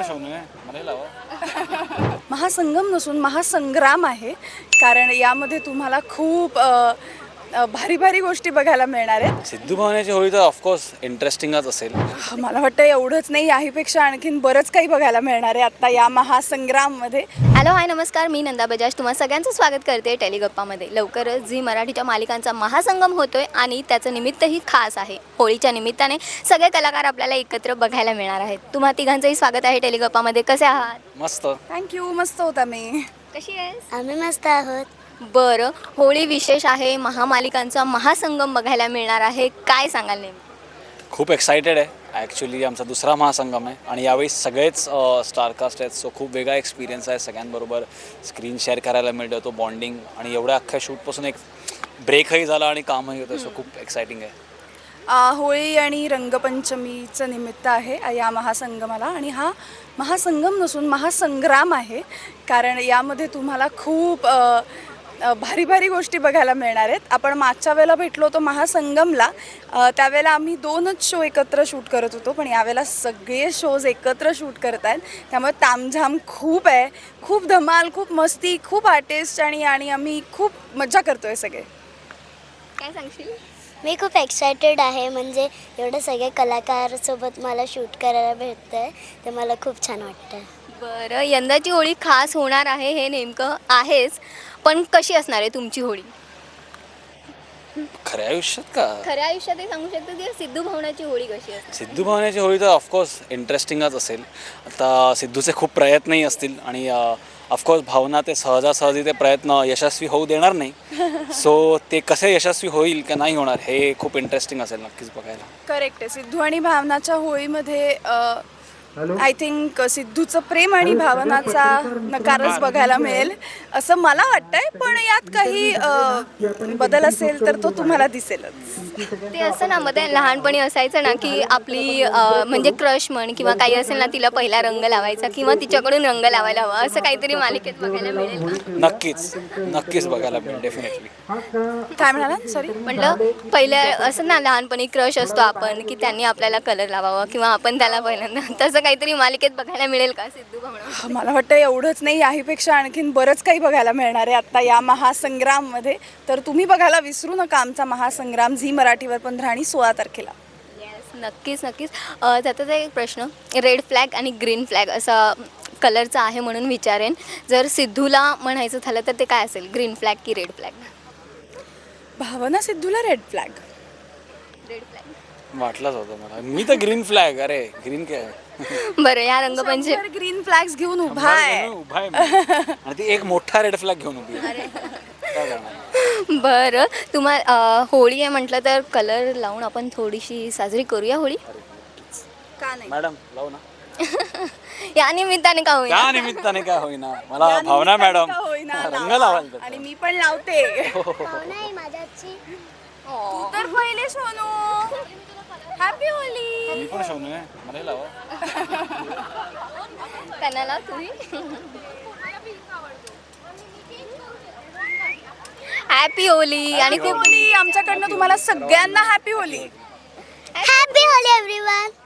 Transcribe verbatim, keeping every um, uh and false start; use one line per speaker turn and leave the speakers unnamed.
महासंगम नसून महासंग्राम आहे, कारण यामध्ये तुम्हाला खूप अ, अ, भारी भारी गोष्टी बघायला मिळणार आहेत.
सिद्धू भवानीची होळी तर ऑफकोर्स इंटरेस्टिंगच असेल.
मला वाटतं एवढंच नाही, याहीपेक्षा आणखीन बरंच काही बघायला मिळणार आहे आता या महासंग्राममध्ये.
हॅलो हाय नमस्कार, मी नंदा बजाज तुम्हा सगळ्यांचं स्वागत करते टेलिगप्पामध्ये. लवकरच झी मराठीच्या मालिकांचा महासंगम होतोय आणि त्याचं निमित्तही खास आहे. होळीच्या निमित्ताने सगळे कलाकार आपल्याला एकत्र बघायला मिळणार आहेत. तुम्हा तिघांचंही स्वागत आहे टेलिगप्पामध्ये. कसे आहात?
मस्त.
थँक्यू, मस्त होता मी.
कशी आहेस?
आम्ही मस्त आहोत.
बरं, होळी विशेष आहे, महामालिकांचा महासंगम बघायला मिळणार आहे. काय सांगाल नेमकं?
खूप एक्सायटेड आहे. ॲक्च्युली आमचा दुसरा महासंगम आहे आणि यावेळी सगळेच स्टारकास्ट आहेत. सो खूप वेगळा एक्सपिरियन्स आहे. सगळ्यांबरोबर स्क्रीन शेअर करायला मिळतं, तो बॉन्डिंग आणि एवढ्या अख्ख्या शूटपासून एक ब्रेकही झाला आणि कामही होतं. सो खूप एक्सायटिंग आहे.
आ, होळी आणि रंगपंचमीचं निमित्त आहे या महासंगमाला, आणि हा महासंगम नसून महासंग्राम आहे, कारण यामध्ये तुम्हाला खूप अ, अ, भारी भारी गोष्टी बघायला मिळणार आहेत. आपण मागच्या वेळेला भेटलो होतो महासंगमला, अ, त्यावेळेला आम्ही दोनच शो एकत्र शूट करत होतो, पण यावेळेला सगळे शोज एकत्र शूट करत आहेत. त्यामुळे तामझाम खूप आहे, खूप धमाल, खूप मस्ती, खूप आर्टिस्ट आणि आणि आम्ही खूप मजा करतो आहे सगळे.
काय सांगशील?
मी खूप एक्सायटेड आहे, म्हणजे एवढे सगळे कलाकारसोबत मला शूट करायला भेटतं आहे, ते मला खूप छान वाटतं.
बरं, यंदाची होळी खास होणार आहे हे नेमकं आहेच, पण कशी असणार आहे तुमची होळी?
खऱ्या आयुष्यात का?
खऱ्या आयुष्यात हे सांगू शकतो की सिद्धू भवनाची होळी कशी असते?
सिद्धू भवानीची होळी तर ऑफकोर्स इंटरेस्टिंगच असेल. आता सिद्धूचे खूप प्रयत्नही असतील आणि ऑफकोर्स भावना ते सहजासहजी ते प्रयत्न यशस्वी होऊ देणार नाही. सो ते कसे यशस्वी होईल का नाही होणार हे खूप इंटरेस्टिंग असेल नक्कीच बघायला.
करेक्ट आहे. सिद्धू आणि भावनाच्या होळीमध्ये आय थिंक सिद्धूचं प्रेम आणि भावनाचा नकारच बघायला मिळेल असं मला वाटतंय, पण यात काही अ, बदल असेल तर तो तुम्हाला दिसेलच.
ते असं ना, मध्ये लहानपणी असायचं ना की आपली अं, म्हणजे क्रश म्हण किंवा काही असेल ना, तिला पहिला रंग लावायचा किंवा तिच्याकडून रंग लावायला हवा, असं काहीतरी मालिकेत बघायला मिळेल का?
नक्कीच नक्कीच बघायला मिळेल डेफिनेटली.
काय म्हणाला? सॉरी.
म्हटलं पहिल्या असं ना, लहानपणी क्रश असतो आपण की त्यांनी आपल्याला कलर लावावा किंवा आपण त्याला पहिल्यांदा, तसं काहीतरी मालिकेत बघायला मिळेल का सिद्धू भवना?
मला वाटतं एवढंच नाही, याहीपेक्षा आणखीन बरंच काही बघायला मिळणार आहे आता या महासंग्राममध्ये. तर तुम्ही बघायला विसरू नका आमचा महासंग्राम झी मराठीवर पंधरा आणि सोळा तारखेला.
येस, नक्कीच नक्कीच. अं, त्याचा एक प्रश्न, रेड फ्लॅग आणि ग्रीन फ्लॅग असा कलरचा आहे म्हणून विचारेन. जर सिद्धूला म्हणायचं झालं तर ते काय असेल, ग्रीन फ्लॅग की रेड फ्लॅग?
भावना सिद्धूला रेड फ्लॅग.
Red flag.
वाटलंच होतं मला. मी तर ग्रीन फ्लॅग. अरे ग्रीन काय?
बरं, या रंगपंचमी
ग्रीन फ्लॅग्स घेऊन उभा आहे.
उभा आहे मी. आणि ती एक मोठा रेड फ्लॅग घेऊन उभी आहे. काय करणार?
बरं, तुम्हा अं, होळी आहे म्हटलं तर कलर लावून आपण थोडीशी साजरी करूया होळी.
का नाही?
मॅडम लावू ना.
या निमित्ताने का होईना.
त्या निमित्ताने काय होईना, मला
या
भावना
निमित्ताने
मॅडम
का होईना,
रंग
लावा.
लावायला.
आणि मी पण लावते.
नाही माझ्याची
तू तर पहिले सोनू. Happy Holy.
मी पण शोनू आहे, मला लावा.
त्यांना लाव तुम्ही. हॅपी होली. आणि खूप
होली आमच्याकडनं तुम्हाला सगळ्यांना happy Holi.
Happy Holi everyone.